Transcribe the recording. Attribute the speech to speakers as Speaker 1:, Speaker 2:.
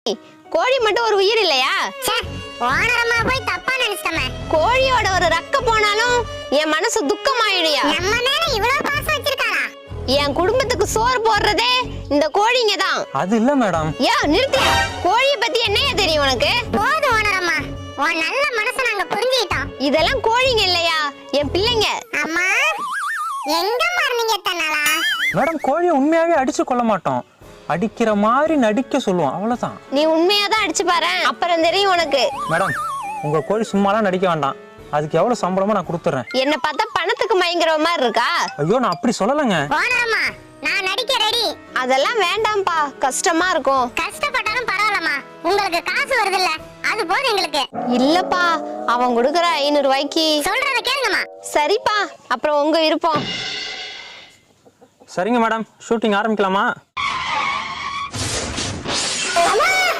Speaker 1: கோழி மட்டும் ஒரு உயிர் இல்லையா?
Speaker 2: ஓனரம்மா போய் தப்பா நினைச்சிட்டமே.
Speaker 1: கோழியோட ஒரு ரக்க போனாலும் என் மனசு துக்கமாயிடுயா.
Speaker 2: நம்ம மேல இவ்வளவு பாசம் வச்சிருக்காரா?
Speaker 1: என் குடும்பத்துக்கு சோறு போடுறதே இந்த கோழிங்க தான்.
Speaker 3: அது இல்ல மேடம்.
Speaker 1: நிறுத்தியா? கோழிய பத்தி என்னையா தெரியும் உனக்கு?
Speaker 2: போதும் ஓனரம்மா, உன் நல்ல மனசை நாங்க புரிஞ்சுக்கிட்டோம்.
Speaker 1: இதெல்லாம் கோழிங்க இல்லையா, என் பிள்ளைங்க.
Speaker 2: அம்மா எங்க மார்னிங்க தன்னாலா?
Speaker 3: மேடம் கோழியை உண்மையாவே அடிச்சு கொள்ள மாட்டோம், அடிக்கிற மாதிரி நடிக்க சொல்லுவோம், அவ்வளவுதான்.
Speaker 1: நீ உண்மையாதான் அடிச்சு பாரு, அப்புறம் தெரியும் உனக்கு.
Speaker 3: மேடம் உங்க கோழி சும்மாலாம் நடிக்க வேண்டாம், அதுக்கு எவ்வளவு சம்பளமோ நான் கொடுத்துறேன்.
Speaker 1: என்ன பார்த்தா பணத்துக்கு மயங்குற மாதிரி இருக்கா?
Speaker 3: ஐயோ நான் அப்படி சொல்லலங்க.
Speaker 2: ஓனரம்மா நான் நடிக்க ரெடி.
Speaker 1: அதெல்லாம் வேண்டாம்பா, கஷ்டமா இருக்கும்.
Speaker 2: கஷ்டப்பட்டாலும் பரவாயில்லம்மா, உங்களுக்கு காசு வருது இல்ல, அது போதும் எங்களுக்கு.
Speaker 1: இல்லப்பா, அவன் கொடுக்கற 500 ரூபாய்க்கு.
Speaker 2: சொல்றத கேளுங்கம்மா.
Speaker 1: சரிப்பா, அப்புறம் உங்க விருப்பம்.
Speaker 3: சரிங்க மேடம், ஷூட்டிங் ஆரம்பிக்கலாமா?